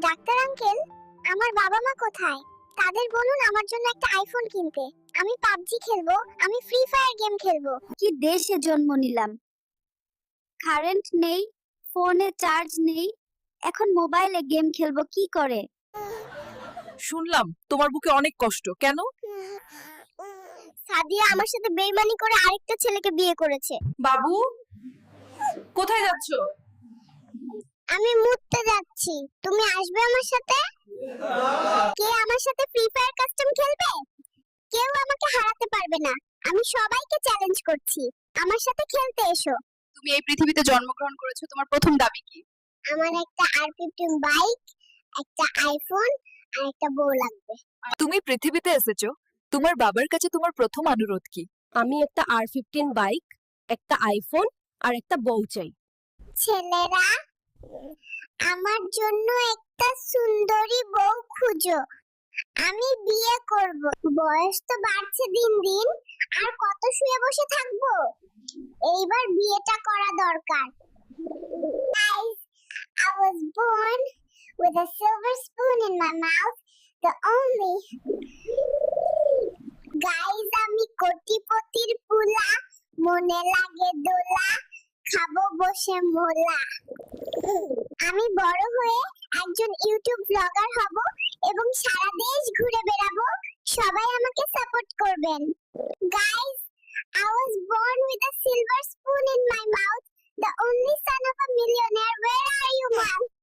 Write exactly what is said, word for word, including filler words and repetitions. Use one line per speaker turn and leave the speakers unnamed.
Doctor uncle, আমার বাবা মা কোথায়? তাদের বলুন আমার জন্য একটা আইফোন কিনতে। আমি পাবজি খেলবো, আমি ফ্রি ফায়ার গেম খেলবো।
কি দেশে জন্ম নিলাম, কারেন্ট নেই, ফোনে চার্জ নেই, এখন মোবাইলে গেম খেলবো কি করে?
শুনলাম তোমার বুকে অনেক কষ্ট, কেন?
সাদিয়া আমার সাথে বেইমানি করে আরেকটা ছেলেকে বিয়ে করেছে।
বাবু, কোথায় যাচ্ছ?
আমি মুততে যাচ্ছি, তুমি আসবে আমার সাথে? কে আমার সাথে ফ্রি ফায়ার কাস্টম খেলবে? কেউ আমাকে হারাতে পারবে না। আমি সবাইকে চ্যালেঞ্জ করছি, আমার সাথে খেলতে এসো।
তুমি এই পৃথিবীতে জন্মগ্রহণ করেছো, তোমার প্রথম দাবি কি?
আমার একটা আর ফিফটিন বাইক, একটা আইফোন আর একটা বউ লাগবে।
তুমি পৃথিবীতে এসেছো, তোমার বাবার কাছে তোমার প্রথম অনুরোধ কি?
আমি একটা আর ফিফটিন বাইক, একটা আইফোন আর একটা বউ চাই।
ছেলেরা, আমার জন্য একটা সুন্দরী বউ খুঁজো, আমি বিয়ে করব। বয়স তো বাড়ছে দিন দিন, আর কত শুয়ে বসে থাকবো? এইবার বিয়েটা করা দরকার। Guys, I was born with a silver spoon in my mouth, the only. Guys, আমি কোটিপতির পুলা, মনে লাগে দোলা, খাবো বসে মোলা। আমি বড় হয়ে একজন ইউটিউব ব্লগার হব এবং সারা দেশ ঘুরে বেড়াবো, সবাই আমাকে সাপোর্ট করবেন। Guys, I was born with a silver spoon in my mouth, the only son of a millionaire. Where are you, mom?